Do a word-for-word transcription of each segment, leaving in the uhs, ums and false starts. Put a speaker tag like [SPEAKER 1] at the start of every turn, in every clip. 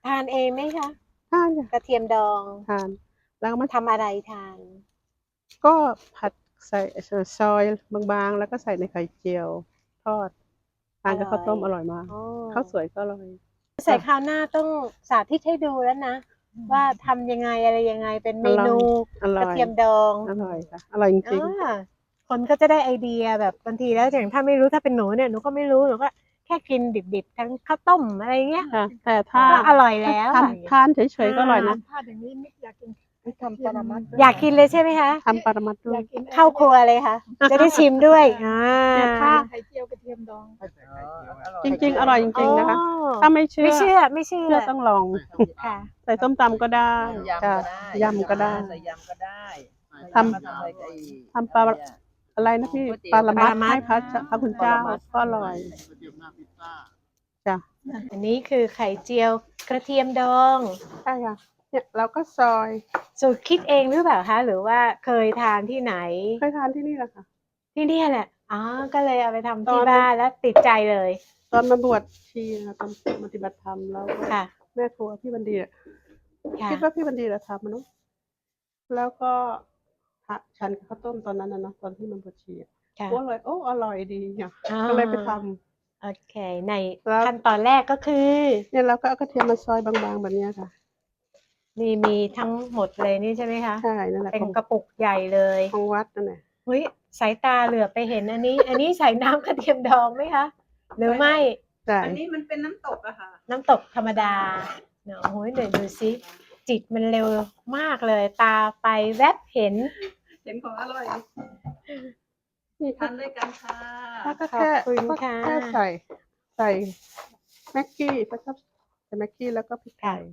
[SPEAKER 1] ทานเองไหมคะ
[SPEAKER 2] ทาน
[SPEAKER 1] กระเทียมดอง
[SPEAKER 2] ทานแล้วก็มา
[SPEAKER 1] ทำอะไรทาน
[SPEAKER 2] ก็ผัดใส่ซอยบางๆแล้วก็ใส่ในไข่เจียวทอดทานกับข้าวต้มอร่อยมากข้าวสวยก็อร่อย
[SPEAKER 1] ใส่คราวหน้าต้องสาธิตให้ดูแล้วนะว่าทำยังไงอะไรยังไงเป็นเมนูกระเทียมดอง
[SPEAKER 2] อร่อยค่ะอร่อยจริง
[SPEAKER 1] ๆคนก็จะได้ไอเดียแบบบางทีแล้วอย่างถ้าไม่รู้ถ้าเป็นหนูเนี่ยหนูก็ไม่รู้หนูก็แค่กินดิบๆทั้งข้าวต้มอะไรเงี้ย
[SPEAKER 2] แต่ถ้า
[SPEAKER 1] ก็อร่อยแล้ว
[SPEAKER 2] ทานทานเฉยๆก็อร่อยนะ
[SPEAKER 3] ถ้าอย่างนี้นิดอยากกินทำปรมัตถ์
[SPEAKER 1] อยากกินเลยใช่ไหมคะ
[SPEAKER 2] ทำปรมัตถ์ด้วย
[SPEAKER 1] เข้าครัวเลยค่ะจะได้ชิมด้วยอ่า
[SPEAKER 2] เนี่ยถ้า
[SPEAKER 3] ไข่เจียวกระเทียมดอง
[SPEAKER 2] จริงๆอร่อยจริงๆนะคะถ้าไม่เชื่อ
[SPEAKER 1] ไม่เชื่อไม่เชื่อ
[SPEAKER 2] เชื่อต้องลอง
[SPEAKER 1] ค่ะ
[SPEAKER 2] ใส่ส้มตำก็ได้ค่ะยำก็ได้
[SPEAKER 4] ใส่ยำก็ได้
[SPEAKER 2] ทำทำปลาอะไรนะพี่ปลาละมัดให้พระพระคุณเจ้าก็อร่อยจ้ะ
[SPEAKER 1] อันนี้คือไข่เจียวกระเทียมดอง
[SPEAKER 2] ใช่ค่ะเนี่ยเราก็ซอย
[SPEAKER 1] สูตรคิดเองหรือเปล่าคะหรือว่าเคยทานที่ไหน
[SPEAKER 2] เคยทานที่นี่แหละค่ะ
[SPEAKER 1] ที่นี่แหละอ๋อก็เลยเอาไปทำที่บ้านแล้วติดใจเลย
[SPEAKER 2] ตอนมาบวชชีนะตอนปฏิบัติธรรมแล้ว
[SPEAKER 1] ค่ะ
[SPEAKER 2] แม่ครัวพี่บันดีอะ
[SPEAKER 1] ค่ะ
[SPEAKER 2] คิดว่าพี่บันดีจะทำมันเนาะแล้วก็ฉันกับข้าวต้มตอนนั้นนะเนาะตอนที่มันบวชชีอะ
[SPEAKER 1] ค่ะ
[SPEAKER 2] ก็เลยโอ้อร่อยดีเนี่ย
[SPEAKER 1] อ่า
[SPEAKER 2] ก็เลยไปทำ
[SPEAKER 1] โอเคใน
[SPEAKER 2] แล้ว
[SPEAKER 1] ขั้นตอนแรกก็คือ
[SPEAKER 2] เนี่ยเราก็เอากระเทียมมาซอยบางๆแบบเนี้ยค่ะ
[SPEAKER 1] นี่มีทั้งหมดเลยนี่ใช่ไหมคะ
[SPEAKER 2] ใช่นั่นแหละ
[SPEAKER 1] เป็น
[SPEAKER 2] ของ
[SPEAKER 1] กระปุกใหญ่เลย
[SPEAKER 2] ของวัดนั่นแหละ
[SPEAKER 1] เฮ้ยสายตาเหลือไปเห็นอันนี้ อันนี้ใส่น้ำกระเทียมดองไหมคะหรือไม่
[SPEAKER 2] ใช่
[SPEAKER 4] อันนี้มันเป็นน้ำตกอะค่ะ
[SPEAKER 1] น้ำตกธรรมดาเนาะโอ้ยเดี๋ยวดูซิจิตมันเร็วมากเลย ตาไปแวบเห็น
[SPEAKER 4] เห็นของอร่อย
[SPEAKER 2] นี่
[SPEAKER 4] ทานด้วยกันค่ะ
[SPEAKER 2] แล้วก็
[SPEAKER 1] ขอบ
[SPEAKER 2] แค่
[SPEAKER 1] คุณ
[SPEAKER 2] ก็
[SPEAKER 1] ค่ะ
[SPEAKER 2] แค่ใส่ใส่แม็กกี้แล้วก็ใส่แม็กกี้แล้วก็พริกไทย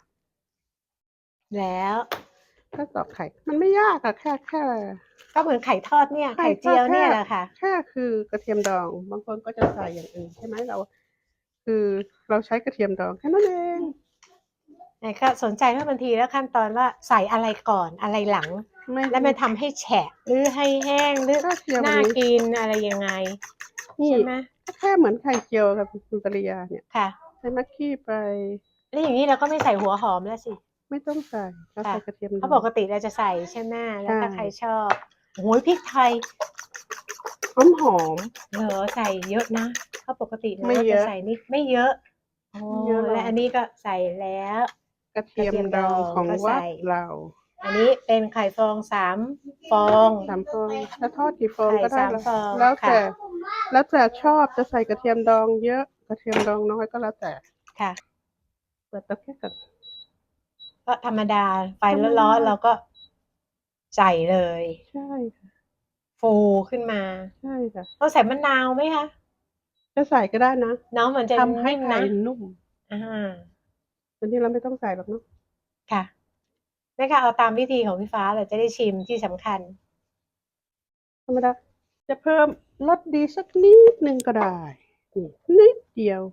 [SPEAKER 1] แล้ว
[SPEAKER 2] ก็ตอกไข่มันไม่ยากอะแค่แค่
[SPEAKER 1] ก็เหมือนไข่ทอดเนี่ย
[SPEAKER 2] ไข่
[SPEAKER 1] ไข่เจียว
[SPEAKER 2] ก็แค่
[SPEAKER 1] เนี่ยแหละค่ะ
[SPEAKER 2] แค่คือกระเทียมดองบางคนก็จะใส่อย่างอื่นใช่ไหมเรา คือเราใช้กระเทียมดองแค่นั้นเอง
[SPEAKER 1] ไหนก็สนใจว่าบางทีแล้วขั้นตอนว่าใส่อะไรก่อนอะไรหลัง
[SPEAKER 2] ไม่
[SPEAKER 1] แล้วมันทำให้แฉะหรือให้แห้งหรือ
[SPEAKER 2] ก็เจียวแบบ
[SPEAKER 1] น่า
[SPEAKER 2] นี้
[SPEAKER 1] กินอะไรยังไง
[SPEAKER 2] นี่
[SPEAKER 1] ใช่ไหม
[SPEAKER 2] ก็แค่เหมือนไข่เจียวกับคุณปริยาเนี่ย
[SPEAKER 1] ค่ะ
[SPEAKER 2] ใส่แม็กกี้ไป
[SPEAKER 1] แล้วอย่างนี้เราก็ไม่ใส่หัวหอมแล้วสิ
[SPEAKER 2] ไม่ต้องใส่เราใส่
[SPEAKER 1] ค่ะ
[SPEAKER 2] กระเทียมด
[SPEAKER 1] เพราะ
[SPEAKER 2] อ
[SPEAKER 1] ป
[SPEAKER 2] ง
[SPEAKER 1] กติเราจะใส่ใช่ไหมแล้วถ้า
[SPEAKER 2] ใช่
[SPEAKER 1] ใครชอบโอ้ยพริกไทย
[SPEAKER 2] หอมหอม
[SPEAKER 1] เหรอใส่เยอะนะเพราะปกติเรา
[SPEAKER 2] ไม่
[SPEAKER 1] ก็
[SPEAKER 2] เย
[SPEAKER 1] จะ
[SPEAKER 2] อะ
[SPEAKER 1] ใส่นิดไม่เยอะโอ้
[SPEAKER 2] ไม่เยอะหรอก
[SPEAKER 1] และอันนี้ก็ใส่แล้ว
[SPEAKER 2] กระเทียมดองของ
[SPEAKER 1] ก็
[SPEAKER 2] วั
[SPEAKER 1] ใส่
[SPEAKER 2] ดเรา
[SPEAKER 1] อันนี้เป็นไข่ฟองสามฟอง
[SPEAKER 2] สามฟองถ้าทอดกี่ฟอง
[SPEAKER 1] ไข่
[SPEAKER 2] ก็ได้
[SPEAKER 1] สาม
[SPEAKER 2] แล้ว
[SPEAKER 1] ฟอง
[SPEAKER 2] แล้วแต่
[SPEAKER 1] ค่ะ
[SPEAKER 2] แล้วแต่ชอบจะใส่กระเทียมดองเยอะกระเทียมดองน้อยก็แล้วแต่
[SPEAKER 1] ค่ะ
[SPEAKER 2] เปิดเตาแค่ก่อน
[SPEAKER 1] ก็ธรรมดาไฟร้อนๆเราก็ใส่เลย
[SPEAKER 2] ใช่ค่ะ
[SPEAKER 1] ฟูขึ้นมา
[SPEAKER 2] ใช่ค่ะ
[SPEAKER 1] ต้องใส่มะนาวไหมคะ
[SPEAKER 2] จะใส่ก็ได้นะ
[SPEAKER 1] น้องมันจะ
[SPEAKER 2] ทำให้
[SPEAKER 1] นิ่ม
[SPEAKER 2] ไข่
[SPEAKER 1] นะ
[SPEAKER 2] นุ่ม
[SPEAKER 1] อ่า
[SPEAKER 2] อันนี้เราไม่ต้องใส่หรอกเนาะ
[SPEAKER 1] ค่ะแม่ค่ะเอาตามวิธีของพี่ฟ้าเราจะได้ชิมที่สำคัญ
[SPEAKER 2] ธรรมดาจะเพิ่มรสดีสักนิดนึงก็ได้นี่นิดเดียว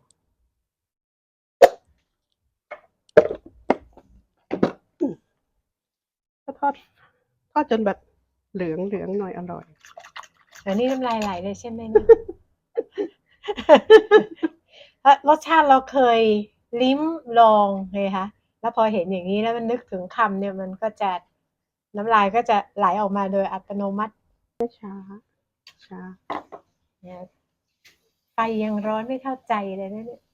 [SPEAKER 2] อืมก็ทอดทอดจนแบบเหลืองเหลืองหน่อยอร่อย
[SPEAKER 1] อันนี้น้ำลายไหลเลยใช่ไหมเนี่ย เพราะรสชาติเราเคยลิ้มลองเลยคะแล้วพอเห็นอย่างนี้แล้วมันนึกถึงคำเนี่ยมันก็จะน้ำลายก็จะไหลออกมาโดยอัตโนมัติ
[SPEAKER 2] ช้าช้า
[SPEAKER 1] เนี่ยไฟยังร้อนไม่เข้าใจเลยนะเนี่ย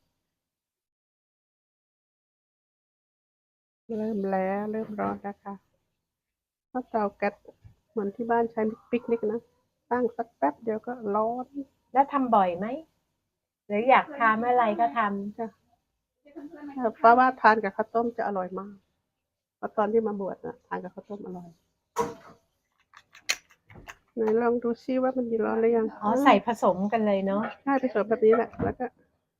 [SPEAKER 2] เริ่มแล้วเริ่มร้อนแล้วค่ะถ้าเตาแก๊สเหมือนที่บ้านใช้ปิกนิกนะตั้งสักแป๊บเดียวก็ร้อน
[SPEAKER 1] แล้วทำบ่อยไหมหรืออยากทานเมื่อไรก็ทำ
[SPEAKER 2] จ้ะเพราะว่าทานกับข้าวต้มจะอร่อยมากเพราะตอนที่มาบวชนะทานกับข้าวต้มอร่อยไหนลองดูซิว่ามันมีร้อนหรือยัง
[SPEAKER 1] อ๋อใส่ผสมกันเลยเนาะ
[SPEAKER 2] ใช่ผสมแบบนี้แหละแล้วก็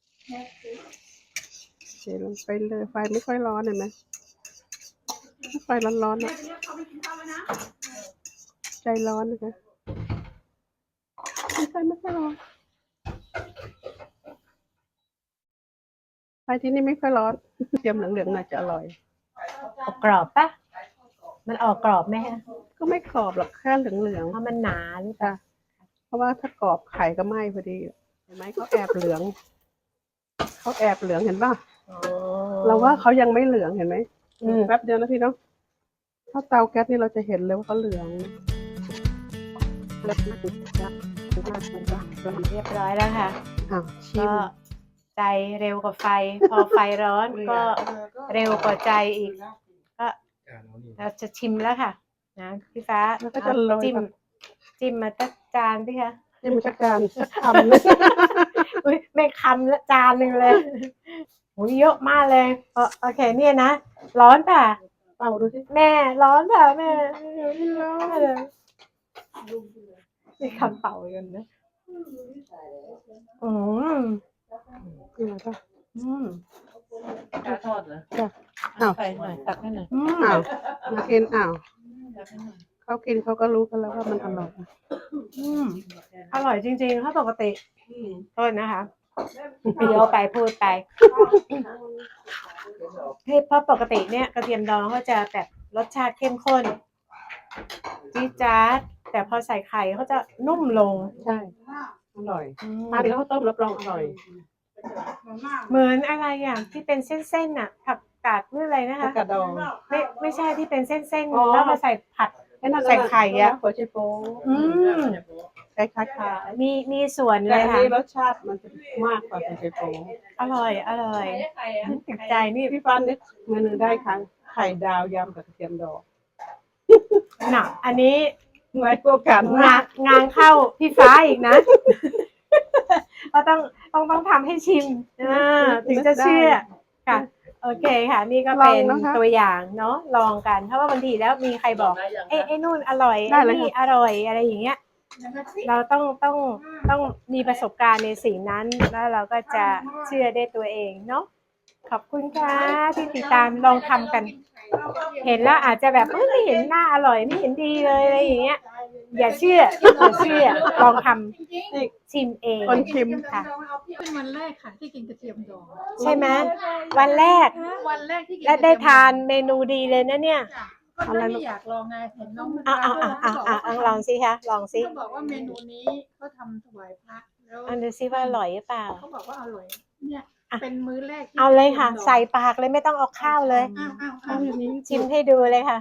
[SPEAKER 2] เทลงไปเลยไฟไม่ค่อยร้อนเห็นไหมถ้าไฟร้อนๆนะใจร้อนนะคะไฟไม่ค่อยร้อนไฟที่นี่ไม่ค่อยร้อนเทียมเหลืองๆหน่อยจะอร่อย
[SPEAKER 1] ออกกรอบปะมันออกกรอบไหมฮะ
[SPEAKER 2] ก็ไม่กรอบหรอกแค่เหลือง
[SPEAKER 1] เพราะมันหนาหรือ
[SPEAKER 2] ๆ
[SPEAKER 1] เปล่า
[SPEAKER 2] จ้ะเพราะว่าถ้ากรอบไข่ก็ไหม้พอดีเห็นไหมเขาแอบเหลืองเขาแอบเหลืองเห็นป่ะ
[SPEAKER 1] อ๋อ
[SPEAKER 2] เราว่าเขายังไม่เหลืองเห็นไหม
[SPEAKER 1] อืม
[SPEAKER 2] แป๊บเดียวนะพี่เนาะถ้าเตาแก๊สนี่เราจะเห็นเลยว่าเขาเหลือง
[SPEAKER 1] เรียบร้อยแล้วค่ะ
[SPEAKER 2] อ้าวชิม
[SPEAKER 1] ก็ใจเร็วกว่าไฟ พอไฟร้อนก็เร็วกว่าใจอีก ก็เราจะชิมแล้วค่ะ นะพี่ฟ้า
[SPEAKER 2] แล้วก็จะโรย
[SPEAKER 1] จิ้ม
[SPEAKER 2] แบบ
[SPEAKER 1] จิ้มมาตักจานพี่คะ
[SPEAKER 2] จิ้มสักจานสักคำนะ
[SPEAKER 1] อุ้ยไม่คำละจานหนึ่งเลยโอ้ยเยอะมากเลยเออโอเคเนี่ยนะ ร้อนป่ะ
[SPEAKER 2] เป่าดูสิ
[SPEAKER 1] แม่ร้อนป่ะแม่ร้อนเลยมีคำเป่ากันนะอืม
[SPEAKER 2] นี่มาป่ะ
[SPEAKER 1] อืม
[SPEAKER 5] ปลาทอดเหรอ
[SPEAKER 2] จ้ะอ้าว
[SPEAKER 5] ใส่หน่อยตักให้หน่อย
[SPEAKER 1] อืม
[SPEAKER 2] อ้าวมากินอ้าว
[SPEAKER 5] ตักให้หน่อย
[SPEAKER 2] เขากินเขาก็รู้กันแล้วว่ามันอร่อย
[SPEAKER 1] อืมอร่อยจริงๆถ้าปกติโทษนะคะเดี๋ยวไปพูดไปที่เพราะปกติเนี่ยกระเทียมดองเขาจะแบบรสชาติเข้มข้นจี๊ดจ๊าดแต่พอใส่ไข่เขาจะนุ่มลง
[SPEAKER 2] ใช่อร่อย
[SPEAKER 1] อืม
[SPEAKER 2] ทานกับข้าวต้มรับรองอร่อย
[SPEAKER 1] เหมือนอะไรอ่ะที่เป็นเส้นๆน่ะผักกาดหรืออะไรนะคะ
[SPEAKER 2] กระดอง
[SPEAKER 1] ไม่ไม่ใช่ที่เป็นเส้น
[SPEAKER 2] อ๋อ
[SPEAKER 1] ๆแล้วมาใส่ผัด
[SPEAKER 2] ไอ้นั่น
[SPEAKER 1] ใส่ไข่อะ
[SPEAKER 2] หัวไชโป๊
[SPEAKER 1] อืม
[SPEAKER 2] คล้ายๆ
[SPEAKER 1] มีมีส่วน
[SPEAKER 2] แต่
[SPEAKER 1] เลย
[SPEAKER 2] อัน
[SPEAKER 1] ค่ะ
[SPEAKER 2] นี้รสชาติมันจะมากกว่าหัวไชโป๊
[SPEAKER 1] อร่อยอร่อยติดใจนี่
[SPEAKER 2] พี่ฟ้านึกเมนูได้ครั้งไข่ดาวยำกับกระเทียมดอง
[SPEAKER 1] หนักอันนี้
[SPEAKER 2] ไว้ตัวกัน
[SPEAKER 1] งานงานเข้าพี่ฟ้าอีกนะ ก็ต้องต้องต้องทำให้ชิมอ่าถึงจะเชื่อค่ะ โอเคค่ะ นี่ก็เป็นตัวอย่างเนาะลองกัน เพราะว่าบางทีแล้วมีใครบอกไอ้ไอ้นู่นอร่อยไอ้นี่อร่อยอะไรอย่างเงี้ย เราต้องต้องต้องมีประสบการณ์ในสิ่งนั้นแล้วเราก็จะเชื่อได้ตัวเองเนาะขอบคุณค่ะที่ติดตามลองทำกัน เห็นแล้วอาจจะแบบเอ้ยไม่เห็นหน้าอร่อยไม่เห็นดีเลยอะไรอย่างเงี้ย อย่าเชื่ออย่าเชื่อลองทำชิมเอง
[SPEAKER 2] คนชิม
[SPEAKER 1] ค่ะ
[SPEAKER 3] เป็นวันแรกค่ะที่กินกระเทียมดอง
[SPEAKER 1] ใช่ไหมวันแรก
[SPEAKER 3] วันแรกที่กิน
[SPEAKER 1] และได้ทานเมนูดีเลยนะเนี่ย
[SPEAKER 3] ก็ไม่อยากลองไงเห็นน้อง
[SPEAKER 1] อ่ะอ่ะอ่ะอ่ะอ่ะอ่ะลองสิคะลองสิ
[SPEAKER 3] เขาบอกว่าเมนูนี้เขาทำถวายพระแล้ว
[SPEAKER 1] อันดูซิว่าอร่อยหรือเปล่า
[SPEAKER 3] เขาบอกว่าอร่อยเนี่ยเป็นมื้อแรกที่
[SPEAKER 1] เอาเลยค่ะ ใส่ปากเลยไม่ต้องเอาข้าวเลย
[SPEAKER 3] อ้าวอ้าว
[SPEAKER 2] เอาอย่างนี้
[SPEAKER 1] ชิมให้ดูเลยค่ะ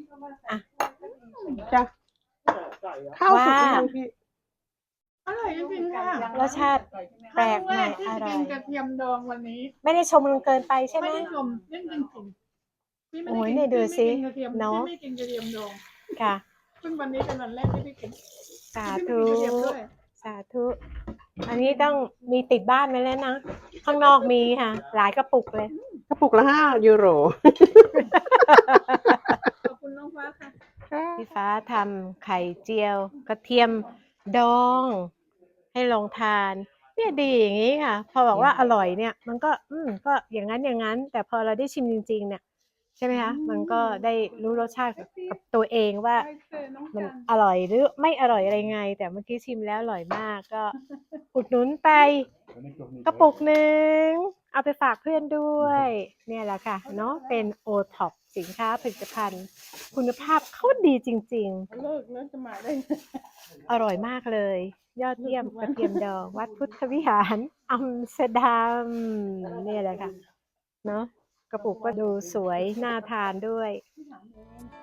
[SPEAKER 2] จ้ะข้าวสุก
[SPEAKER 1] ว่า
[SPEAKER 2] ยังพี่
[SPEAKER 3] อร่อยจริงๆค่ะ
[SPEAKER 1] รสชาติแปลกใหม่อร่อย
[SPEAKER 3] กินกระเทียมดองวันนี้
[SPEAKER 1] ไม่ได้ชมกันเกินไปใช่ไหม
[SPEAKER 3] ไม่ได้ชมเรื่องจริงๆพี่ไม่
[SPEAKER 1] โอ้
[SPEAKER 3] ได้
[SPEAKER 1] ย
[SPEAKER 3] กิน
[SPEAKER 1] เนี่ยดูสิ
[SPEAKER 3] พี่ไม่กินกระเทียม
[SPEAKER 1] เนอะ
[SPEAKER 3] พี่ไม่กินกระเทียมดอง
[SPEAKER 1] ค่ะ
[SPEAKER 3] ซึ่งวันนี้เป็นวันแรกที่พี่กิน
[SPEAKER 1] สา
[SPEAKER 3] พี่ไม่
[SPEAKER 1] ธุ
[SPEAKER 3] กินกระเทียมด้วย
[SPEAKER 1] สาธุ อันนี้ต้องมีติดบ้านไว้แล้วนะ ข้างนอกมีค่ะ หลายกระปุกเลย
[SPEAKER 2] กระปุกละห้ายูโร
[SPEAKER 3] ขอบคุณน้องฟ้าค่ะ
[SPEAKER 1] พี่ฟ้าทำไข่เจียว กระเทียมดอง ให้ลองทาน เนี่ยดีอย่างนี้ค่ะ พอบอกว่าอร่อยเนี่ย มันก็ อืมก็อย่างนั้นอย่างนั้น แต่พอเราได้ชิมจริง ๆ เนี่ย ใช่ไหมคะ มันก็ได้รู้รสชาติกับตัวเองว่า มันอร่อยหรือไม่อร่อยอะไรไง แต่เมื่อกี้ชิมแล้วอร่อยมากก็ อุดหนุนไปกระปุกหนึ่งเอาไปฝากเพื่อนด้วย เนี่ยแหละค่ะเนาะเป็นโอท็อปสินค้าผลิตภัณฑ์ คุณภาพเขาดีจริง
[SPEAKER 2] เลิกแล้วจะมาได้
[SPEAKER 1] ๆ อร่อยมากเลย ยอดเยี่ยมกระเทียมดอง วัดพุทธวิหารอัมสเตอร์ดัมเนี่ยแหละค่ะเนาะกระปุกก็ดูสวยน่าทานด้วย
[SPEAKER 3] ที่ถามเอง